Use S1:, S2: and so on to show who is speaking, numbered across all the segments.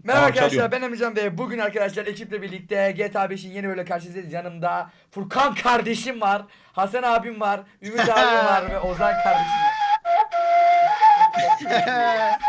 S1: Merhaba arkadaşlar,
S2: çalıyorum.
S1: ben Emrecan ve bugün arkadaşlar ekiple birlikte GTA 5'in yeni bölümüyle karşınızdayız. Yanımda Furkan kardeşim var, Hasan abim var, Ümit abim var ve Ozan kardeşim var.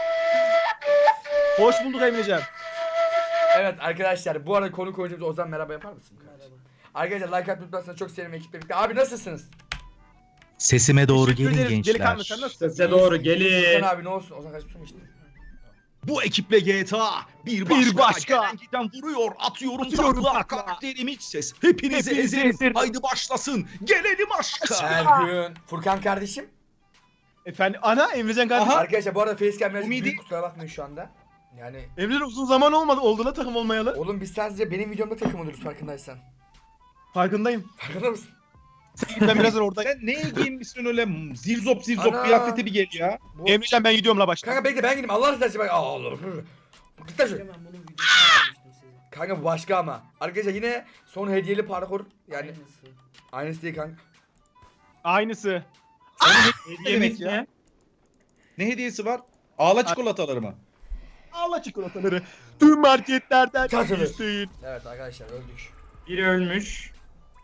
S3: Hoş bulduk Emrecan.
S1: Evet arkadaşlar, bu arada konuk oyuncumuz Ozan, merhaba yapar mısın?
S4: Merhaba.
S1: Arkadaşlar like atmayı unutmazsanız çok sevinirim ekiple birlikte. Abi nasılsınız?
S2: Sesime doğru
S3: Teşekkür
S2: gelin
S3: ederiz. Delikanlı,
S2: gençler.
S3: sen nasılsın?
S5: Sese doğru
S1: Ozan
S5: gelin.
S1: abi ne olsun? Ozan kaç mı işte?
S2: Bu ekiple GTA bir başka. Gelen giden vuruyor, atıyorum takla. Karakterimiz ses. Hepinizi ezerim. Haydi başlasın. Gelelim aşka.
S1: Her gün. Furkan kardeşim.
S3: Efendim ana Emrecan kardeşim.
S1: Arkadaşlar bu arada facecam biraz
S2: Umidi-
S1: büyük, kusura bakmayın şu anda. Yani
S3: Emrecan uzun zaman oldu la takım olmayalı.
S1: oğlum biz sadece benim videomda takım oluruz farkındaysan.
S3: Farkındayım.
S1: Farkında mısın?
S3: Ben birazdan orada.
S2: Sen neye giyinmişsin öyle zirzop
S1: Ana.
S2: kıyafeti bir gel ya.
S1: Bu...
S3: Emrecan ben gidiyorum la başta.
S1: Kanka bekle ben gideyim Allah razı olsun bak. Allah. Git lan şu.
S4: Hemen bunun videosunu yapmıştım size.
S1: Kanka bu başka ama. Arkadaşlar yine son hediyeli parkur yani
S4: Aynısı.
S1: aynısı değil kanka.
S3: Aynısı.
S2: Hediyemiz
S3: ya.
S2: Ne hediyesi var? Ağla çikolataları mı?
S3: Allah çikolataları. Tüm marketlerden.
S1: Çatılır.
S3: Hüseyin.
S1: Evet arkadaşlar öldük.
S5: Biri ölmüş.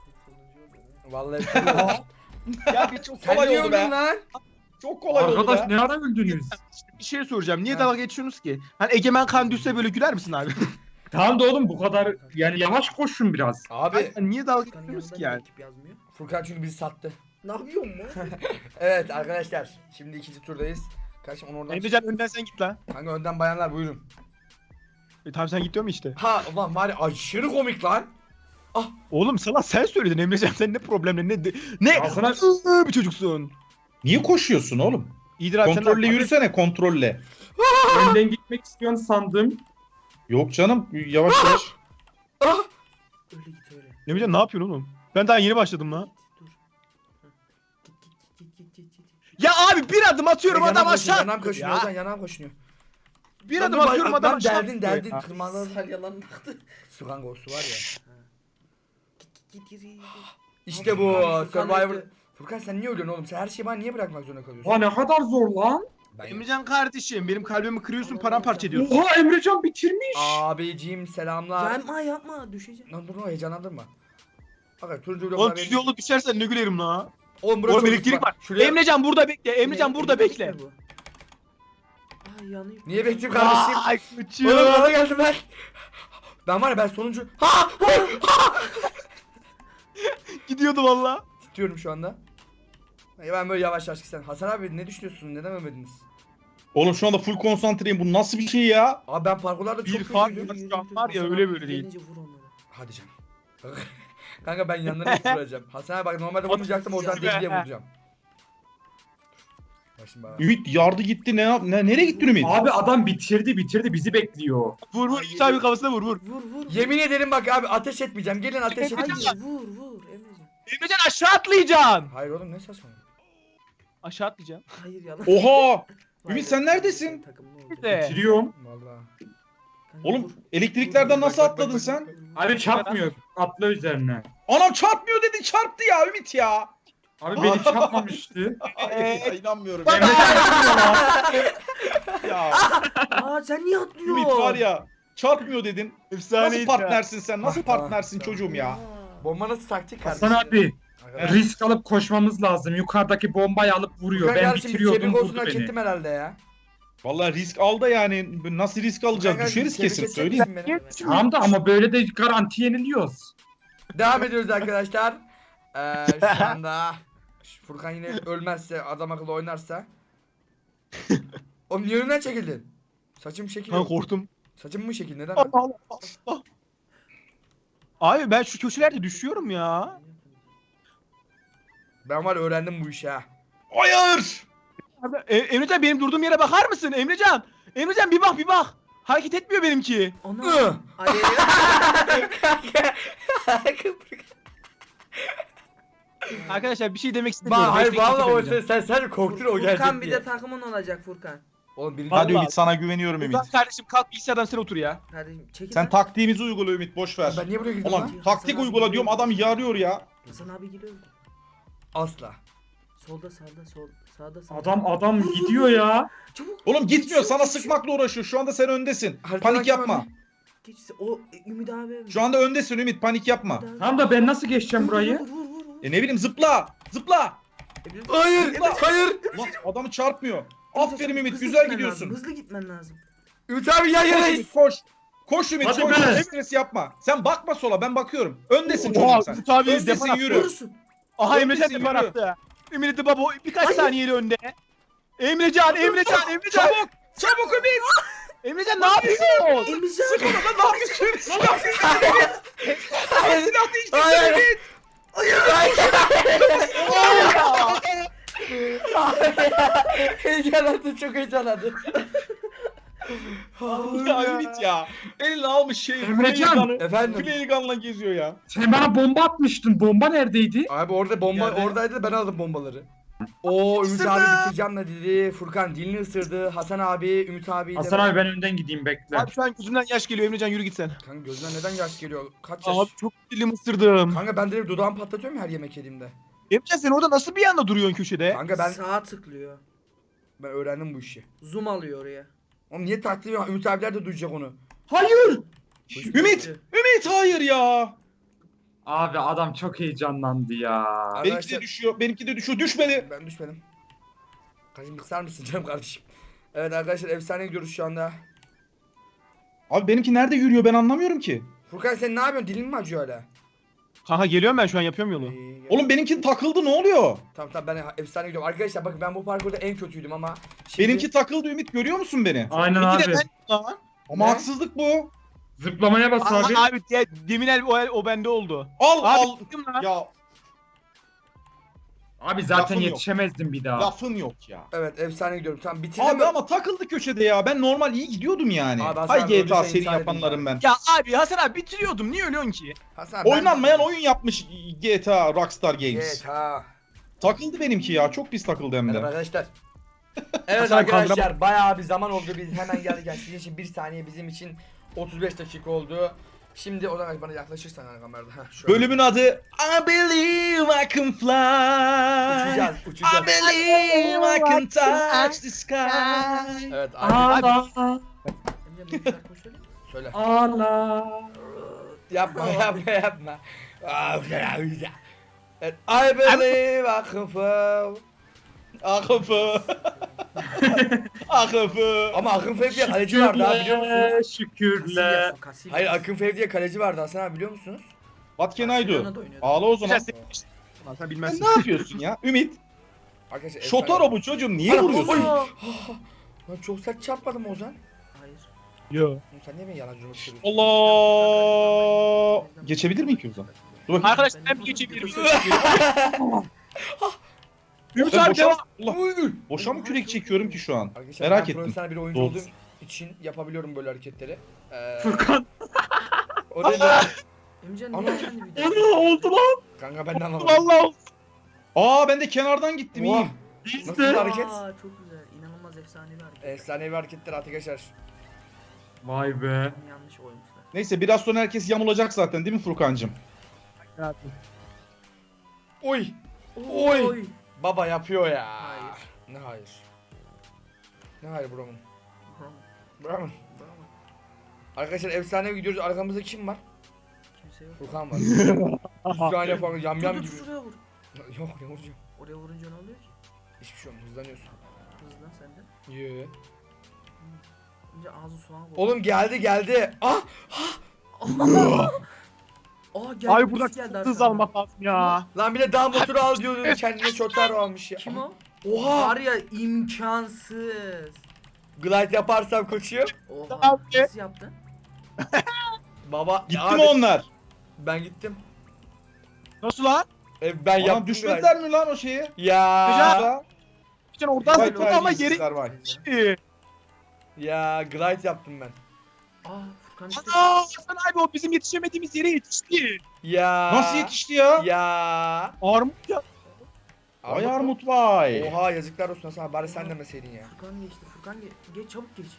S1: Vallahi
S2: Ya bir çok
S1: sen
S2: kolay
S1: niye
S2: oldu
S1: öldün
S2: be.
S1: lan?
S2: Çok kolay oldu
S5: Arkadaş
S2: be.
S5: ne ara öldünüz?
S3: Bir şey soracağım. Niye
S1: Ha.
S3: dalga geçiyorsunuz ki? Hani Egemen kan düşse böyle güler misin abi?
S5: Tamam da oğlum bu kadar yani yavaş koşun biraz.
S1: Abi
S3: Hani niye dalga
S4: Furkan'ın
S3: geçiyorsunuz ki
S4: yanında
S3: yani?
S4: niye ekip yazmıyor?
S1: Furkan çünkü bizi sattı.
S4: Ne yapıyorsun lan?
S1: Evet arkadaşlar şimdi ikinci turdayız. Kardeşim onu oradan
S3: Emrecan önden sen git la.
S1: kanka önden bayanlar buyurun.
S3: Tamam sen git diyorum işte.
S1: Ha ulan var ya aşırı komik lan.
S3: Oğlum sana sen söyledin Emrecan sen ne problemle ne
S5: Ya sana-
S3: bir çocuksun.
S2: Niye koşuyorsun oğlum?
S3: İyidir abi sen
S2: Kontrolle yürüsene, kontrolle.
S5: Önden gitmek istiyorsun sandım.
S2: Yok canım, yavaş yavaş.
S1: Ah!
S4: Öyle git öyle.
S3: Emrecan ne yapıyorsun oğlum? Ben daha yeni başladım la.
S4: Dur. Ha. Git.
S3: Ya abi bir adım atıyorum
S1: Yanağım
S3: adam
S1: koşuyor,
S3: aşağı.
S1: yanağım koşuyor
S3: Ya.
S1: Ozan yanağım koşuyor.
S3: Bir
S1: Lan
S3: adım
S1: dur,
S3: atıyorum adam
S1: lan
S3: aşağı.
S1: derdin
S3: Ya.
S1: tırmanlar.
S4: Sal yalan baktı.
S1: Su kanka o su var ya.
S4: Git.
S1: İşte bu
S4: Furkan
S1: Survivor.
S4: öldü.
S1: Furkan sen niye ölüyorsun oğlum? Sen her şeyi bana niye bırakmak zorunda kalıyorsun?
S5: Oha ne kadar zor lan.
S1: Ben...
S3: Emrecan kardeşim benim kalbimi kırıyorsun paramparça ediyorsun.
S5: Oha Emrecan bitirmiş.
S1: Abicim selamlar.
S4: Yapma düşeceğim.
S1: Lan dur lan heyecanlandırma. Bak turuncu
S3: Oğlum
S1: bloklar
S3: düz yolda düşersen ne gülerim la.
S1: Oğlum burası
S3: Oğlum
S1: çok
S3: elektrik
S1: uçma.
S3: var.
S1: Şuraya...
S3: Emrecan burada bekle. Emrecan burada bekle.
S4: Bu. Ay yanıyor.
S1: Niye bekleyeyim kardeşim?
S3: Ay
S1: Oğlum
S3: uçuyor.
S1: bana geldim ben. Ben var ya ben sonuncu. Ha!
S3: Gidiyordu valla.
S1: Titriyorum şu anda. Ya ben böyle yavaş yavaş gitsen. Hasan abi ne düşünüyorsun? Neden ölmediniz?
S2: Oğlum şu anda full konsantreyim. Bu nasıl bir şey ya?
S1: Abi ben parkurlarda çok
S3: Bir fark
S1: kötüydüm.
S3: yok. Şu an var ya, öyle böyle değil.
S4: Gelince vur onları.
S1: Hadi canım. Kanka ben yanlarına vuracağım. Hasan abi bak normalde vurmayacaktım oradan deli diye vuracağım. Bak şimdi bak.
S2: Ümit yardı gitti. Nereye gitti Ümit?
S5: Abi adam bitirdi bizi bekliyor.
S3: Vur Ümit abi kafasına vur.
S4: Vur.
S1: Yemin ederim bak abi ateş etmeyeceğim. Gelin ateş
S4: Hayır
S1: etmeyeceğim.
S4: vur Emrecan.
S3: Emrecan aşağı atlayacaksın.
S1: Hayır oğlum ne saçma.
S3: Aşağı atlayacaksın.
S4: Hayır yalan.
S2: Oha!
S4: Vay
S2: Ümit
S4: be,
S2: sen neredesin?
S4: takımlı oldu.
S3: İşte.
S5: Bitiriyorum.
S1: Vallahi.
S4: Kanka,
S2: Oğlum
S4: vur.
S2: elektriklerden
S1: Bak,
S2: nasıl
S1: bak,
S2: atladın
S1: bak,
S2: sen?
S1: bak.
S5: Abi çarpmıyor. Atla üzerine.
S2: Anam çarpmıyor dedi, çarptı ya Ümit ya.
S5: Abi beni çarpmamıştı.
S2: Ay, inanmıyorum.
S5: Emre
S2: Ya
S4: Aa sen niye atlıyorsun?
S2: Ümit var ya, çarpmıyor dedin.
S3: Efsaneydi
S2: Nasıl partnersin sen? Nasıl
S1: Tamam,
S2: partnersin
S1: tamam.
S2: çocuğum ya?
S4: Aa.
S1: Bomba nasıl taktik kardeşim?
S5: Hasan abi
S1: Arkadaşlar.
S5: risk alıp koşmamız lazım. Yukarıdaki bombayı alıp vuruyor.
S1: Furkan
S5: Ben
S1: kardeşim,
S5: bitiriyordum
S1: tebrik olsun
S5: vurdu
S1: hak
S5: beni.
S1: ettim herhalde ya.
S2: Vallahi risk al da yani nasıl risk alacağız?
S1: Furkan
S2: Düşeriz
S1: kardeşim,
S2: kesin
S1: tebrik
S2: söyleyeyim.
S1: edecek misin beni?
S5: Tamam da ama böyle de garanti yeniliyoruz.
S1: Devam ediyoruz arkadaşlar. Şu anda Furkan yine ölmezse, adam akıllı oynarsa. Oğlum niye önümden çekildin? Saçım şekil
S3: Ben
S1: yok.
S3: korktum.
S1: Saçım mı şekil? Neden?
S3: Abi ben şu köşelerde düşüyorum ya.
S1: Ben var ya, öğrendim bu işi ha.
S2: Hayır!
S3: Emrecan benim durduğum yere bakar mısın? Emrecan bir bak. Hareket etmiyor benimki.
S1: Ih!
S4: Ana.
S3: Arkadaşlar bir şey demek
S1: Bak
S3: istemiyorum.
S1: hayır
S3: Bekleyin,
S1: vallahi o
S3: Emrecan.
S1: sen korktun o gelecek
S4: Furkan bir
S1: diye.
S4: de takımın olacak Furkan.
S1: Oğlum birinci
S2: Hadi
S3: Vallahi.
S2: Ümit, sana güveniyorum Ümit.
S3: Furkan kardeşim kalk bilgisayardan sen otur ya.
S4: Kardeşim çekil.
S2: Sen
S4: lan.
S2: taktiğimizi uygula Ümit, boş ver.
S1: ben niye buraya girdim
S2: Ulan
S1: lan?
S2: taktik uygula diyorum, adam yarıyor ya.
S4: Hasan abi gidiyor.
S1: Asla.
S4: Solda. Sağda.
S5: Adam gidiyor ya.
S4: Çabuk.
S2: Oğlum gitmiyor, sana
S4: Geçiyor.
S2: sıkmakla uğraşıyor. Şu anda sen öndesin.
S1: Haritadan
S2: Panik
S1: kim
S2: yapma.
S1: önde?
S4: Geç. O Ümit abi.
S2: Şu anda öndesin Ümit, panik yapma.
S5: Tamam da ben nasıl geçeceğim burayı?
S4: Vur.
S2: Ne bileyim, zıpla. Zıpla.
S1: Hayır. Hayır.
S2: Lan adamı çarpmıyor. Aferin Ümit,
S4: Hızlı
S2: güzel
S4: gitmen
S2: gidiyorsun.
S4: lazım, hızlı gitmen lazım.
S1: Ümit abi yan yanayız.
S2: Ümit koş. Koş Ümit,
S5: Hadi
S2: koş.
S5: be.
S2: Stres yapma. Sen bakma sola, ben bakıyorum. Öndesin
S3: Oha
S2: çocuk sen.
S3: Ümit abi
S2: Öndesin,
S3: defan attı.
S2: yürü.
S4: Vurursun.
S3: Aha Emrecan
S2: Öndesin,
S3: defan
S2: yürü.
S3: attı. Ümit baba birkaç
S4: Hayır.
S3: saniyeli önde. Emrecan.
S2: Çabuk. Çabuk Ümit.
S3: Emrecan ne yapıyorsun?
S4: Emrecan.
S2: Lan ne yapıyorsun? Ne yapıyorsun? Silah değiştirsin
S1: Hayır.
S2: Ümit.
S1: Heyecanlandı, çok heyecanlandı.
S2: Ya Ümit ya. Eline almış şey.
S5: Emrecan.
S1: Efendim.
S2: Playgun'la geziyor ya.
S5: Sen bana bomba atmıştın. Bomba neredeydi?
S1: Abi orada bomba
S2: Yerde.
S1: oradaydı, ben aldım bombaları. Oo Ümit abi bitireceğim de dedi. Furkan dilini ısırdı. Hasan abi, Ümit abi.
S5: Hasan abi ben önden gideyim bekle.
S3: Abi şu an gözümden yaş geliyor Emrecan yürü git sen.
S1: Kanka gözünden neden yaş geliyor? Kaç yaş?
S3: Abi çok dilim ısırdım.
S1: Kanka ben direkt dudağımı patlatıyorum her yemek yediğimde.
S3: Emrecan sen orada nasıl bir anda duruyorsun köşede?
S1: Kanka ben
S4: Sağa tıklıyor.
S1: öğrendim bu işi.
S4: Zoom alıyor oraya.
S1: Oğlum niye taklıyor? Ümit abiler de duyacak onu.
S5: Hayır.
S2: Ümit. Ümit hayır ya.
S5: Abi adam çok heyecanlandı ya.
S2: Benimki
S1: Arkadaşlar-
S2: de düşüyor. Benimki de düşüyor. Düşmedi.
S1: Ben düşmedim. Kaçım kısar mısın canım kardeşim? Evet arkadaşlar efsane gidiyoruz şu anda.
S2: Abi benimki nerede yürüyor, ben anlamıyorum ki.
S1: Furkan sen ne yapıyorsun? Dilin mi acıyor hala?
S3: Kanka geliyorum ben şu an yapıyorum yolu.
S2: Oğlum benimki takıldı, ne oluyor?
S1: Tamam ben efsane gidiyorum. Arkadaşlar bakın ben bu parkurda en kötüydüm ama şimdi...
S2: Benimki takıldı Ümit, görüyor musun beni?
S5: Aynen
S3: Bir
S5: abi.
S3: de ben lan.
S2: Ama
S1: Ne?
S2: haksızlık bu.
S5: Zıplamaya bas abi.
S3: Abi demin o bende oldu.
S2: Al
S3: Abi
S2: al.
S3: gittim lan.
S2: Ya
S5: Abi zaten
S2: Lafım yok.
S5: yetişemezdim bir daha.
S2: lafın yok ya.
S1: Evet efsane gidiyorum. Tamam bitirdim.
S2: Abi ama takıldı köşede ya. Ben normal iyi gidiyordum yani.
S1: Abi Hasan
S2: Hay
S1: abi,
S2: GTA
S1: öldüyse
S2: seri
S1: intihar
S2: yapanlarım ben.
S3: Ya abi Hasan abi bitiriyordum niye ölüyorsun ki?
S1: Hasan, ben-
S2: Oynanmayan oyun yapmış GTA Rockstar Games.
S1: GTA.
S2: Takıldı benimki ya. Çok pis takıldı hem
S1: Merhaba
S2: de.
S1: arkadaşlar. Evet
S3: Hasan
S1: arkadaşlar
S3: kaldıramam.
S1: bayağı bir zaman oldu. Biz hemen geldik. Yani sizin için 1 saniye, bizim için 35 dakika oldu. Şimdi o zaman bana yaklaşırsan hani kamerada. Heh, şöyle.
S2: Bölümün adı I Believe I Can Fly.
S1: Uçacağız,
S2: I
S1: uçacağız.
S2: believe I can touch the sky.
S1: Evet
S5: Allah.
S4: Emrecan bir şarkı söyle.
S1: söyle.
S5: Allah.
S1: Yapma yapma. Evet, I believe I can fly.
S2: Akıfı. Akıfı.
S1: Ama Akın Fev diye kaleci vardı ha biliyor musunuz?
S5: Şükürler.
S4: Casillas.
S1: Hayır Akın Fev diye kaleci vardı Hasan abi biliyor musunuz?
S2: What can I do?
S4: Barcelona'da oynuyordu.
S2: Ağla o zaman.
S3: Güzel sen
S2: Sen
S3: bilmezsin.
S2: ne yapıyorsun ya? Ümit.
S1: Arkadaşlar
S2: Şotaro bu çocuğum. Niye
S1: Ana,
S2: vuruyorsun?
S1: oy.
S4: Aa,
S1: Lan çok sert çarpmadım Ozan.
S4: Hayır.
S3: Yo.
S1: Oğlum sen niye beni yalancı söylüyorsun?
S2: Allah. Geçebilir miyim ki o zaman? Dur bakayım.
S3: Arkadaşlar ben bir geçebilirim. Ümit
S2: Ben
S3: abi
S2: boşa,
S3: devam.
S2: Allah,
S1: Uy.
S2: boşa mı kürek çekiyorum ki şu an?
S1: Arkadaşlar
S2: Merak
S1: ben
S2: ettim.
S1: profesyonel bir oyuncu
S2: Doğrusu.
S1: olduğum için yapabiliyorum böyle hareketleri.
S5: Furkan.
S1: O da
S4: Emrecan
S1: Ana.
S4: niye yendi bir
S5: Ana
S4: daha?
S5: oldu lan.
S1: kanka ben de anlamadım.
S3: Vallahi oldu.
S2: Aa ben de kenardan gittim
S1: Oha.
S2: iyiyim.
S1: Nasıl bir hareket?
S4: Aa çok güzel. İnanılmaz efsane bir hareket.
S1: Efsanevi hareketler arkadaşlar.
S5: Vay be.
S4: Yanlış oymuşlar.
S2: Neyse biraz sonra herkes yamulacak zaten değil mi Furkancığım?
S1: Oy. Oy.
S4: Oy.
S1: Baba yapıyor ya.
S4: Hayır.
S1: Ne hayır? Ne hayır buramın?
S4: Bravo,
S1: Buramın.
S4: bravo.
S1: Arkadaşlar efsane gidiyoruz. Arkamızda kim var?
S4: Kimse yok.
S1: Furkan var. 3 saniye falan yam yam
S4: Dur,
S1: gibi.
S4: şuraya vur.
S1: Yok ne vuracağım?
S4: Oraya vurunca ne oluyor ki?
S1: Hiçbir şey olmuyor. Hızlanıyorsun.
S4: Hızlan sen de.
S1: Yee.
S4: Önce ağzı soğan vur.
S1: Oğlum geldi. Ah!
S4: Aa geldi.
S3: Abi buradan
S4: birisi geldi
S3: çok hız
S4: arkamdan.
S3: almak lazım ya.
S1: Lan bir de dağ motoru al diyordu. Kendine çotar almış ya.
S4: Kim o?
S1: Oha!
S4: Var ya imkansız.
S1: Glide yaparsam koçum.
S4: Oha.
S3: Abi.
S4: Nasıl yaptın?
S1: Baba
S2: Gitti
S1: abi,
S2: mi onlar?
S1: Ben gittim.
S3: Nasıl lan?
S1: Ben
S2: Adam
S1: yaptım
S2: düşmediler mi lan o şeye?
S1: glide. Ya.
S2: Güzel.
S3: Bir tane oradan
S2: Vay
S3: zıpladı ama yeri
S2: terbiyesizler, vay.
S3: gitti.
S1: Ya glide yaptım ben.
S4: Aa Furkan işte.
S3: Ana Hasan abi o bizim yetişemediğimiz yere yetişti.
S1: Ya.
S2: Nasıl yetişti ya?
S1: Ya.
S3: Armut ya.
S2: Vay armut vay.
S1: Oha yazıklar olsun Hasan abi, bari sen demeseydin ya.
S4: Furkan geçti. Furkan geç çabuk geç.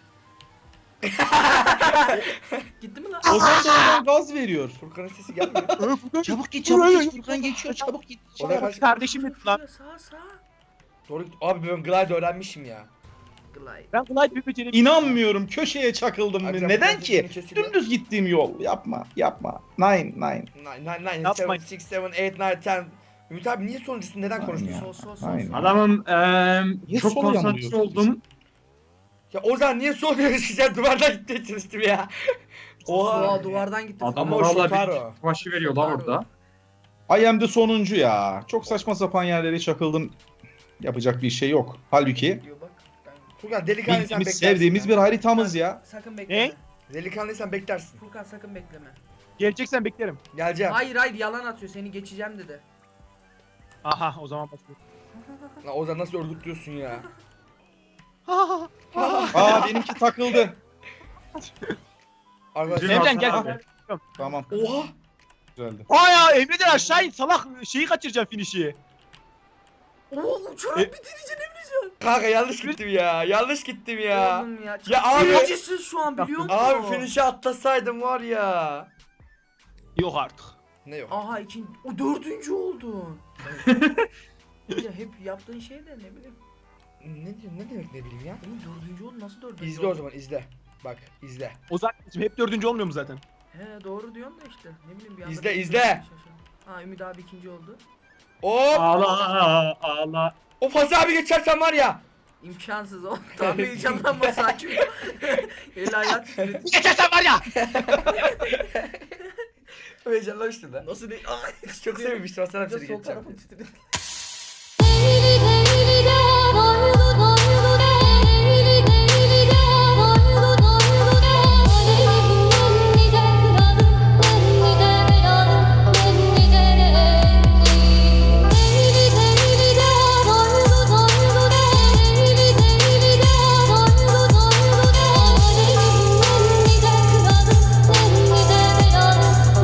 S4: Gitti mi lan?
S2: Ozan da oradan gaz veriyor.
S1: Furkan'ın sesi gelmiyor.
S3: Furkan.
S2: Çabuk git,
S3: Dur, dur, dur.
S2: Furkan geçiyor, çabuk git.
S1: O da kaç-
S3: Kardeşim et lan.
S4: Sağ.
S1: Doğru git. Abi ben glide öğrenmişim ya.
S4: Glide.
S3: Ben glide bir becereyim.
S2: İnanmıyorum, köşeye çakıldım ben.
S1: Akşam
S2: Neden
S1: biraz
S2: ki?
S1: sesini kesiliyor.
S2: Dümdüz gittiğim yol. Yapma. 9.
S1: 9, 7,
S3: Yapmayın.
S1: 6, 7, 8, 10. Ümit abi niye sonuncusun? Neden konuşmuyorsun?
S4: Sol.
S2: Aynen.
S5: Adamım
S2: Niye
S5: çok
S2: sol
S5: konsantre
S2: yanılıyorsun
S5: oldum.
S1: Ya Ozan niye soruyorsun? Sen duvardan gitmeye çalıştım ya.
S4: Oha duvardan gitti.
S5: Adam
S1: Ama o
S5: valla
S1: Shotaro.
S5: bir başı veriyorlar orada.
S2: I am the sonuncu ya. Çok saçma sapan yerlere çakıldım. Yapacak bir şey yok. Halbuki
S4: Diyor bak.
S1: Furkan delikanlıysan
S2: bildiğimiz,
S1: beklersin.
S2: sevdiğimiz
S1: ya.
S2: bir haritamız ya.
S4: Sakın bekleme.
S1: Delikanlıysan beklersin.
S4: Furkan sakın bekleme.
S3: Geleceksen beklerim.
S1: Geleceğim.
S4: Hayır yalan atıyor seni geçeceğim dedi.
S3: Aha o zaman başlıyorum.
S1: Lan Ozan nasıl örgütlüyorsun ya?
S2: Aa benimki takıldı.
S1: Arkadaşlar.
S3: Emrecan gel.
S5: Abi.
S2: Tamam.
S1: Oha.
S2: Güzeldi.
S3: Aa ya Emrecan aşağı in salak şeyi kaçıracaksın finişi.
S4: Oo uçarak bitireceksin Emrecan.
S1: Kanka yanlış gittim ya. Yanlış gittim ya.
S4: Oğlum ya.
S1: Ya abi.
S4: Acısın şu an biliyor musun?
S1: Abi finish'e atlasaydım var ya.
S3: Yok artık.
S1: Ne yok?
S4: Aha o 4. oldun. Ya hep yaptığın şey de ne bileyim.
S1: Ne demek ne bileyim ya?
S4: Oğlum 4. oldun nasıl 4.
S1: İzle o zaman izle. Bak izle.
S3: Ozan hep 4. olmuyor mu zaten?
S4: He doğru diyorsun da işte. Ne bileyim bir anda.
S1: İzle,
S4: bir-
S1: izle.
S4: şaşırdım. Ha Ümit abi 2. oldu.
S1: Hop.
S5: Ağla.
S1: O Fazıl abi geçersen var ya.
S4: İmkansız o. Tam heyecanlanma sakin ol. El hayat titredi.
S3: Geçersen var ya.
S1: Heyecanlamıştın da.
S4: Nasıl değil?
S1: Çok sevmiştim Hasan abi
S4: Bir de
S1: seni
S4: sol
S1: geçeceğim.
S4: tarafı titredi.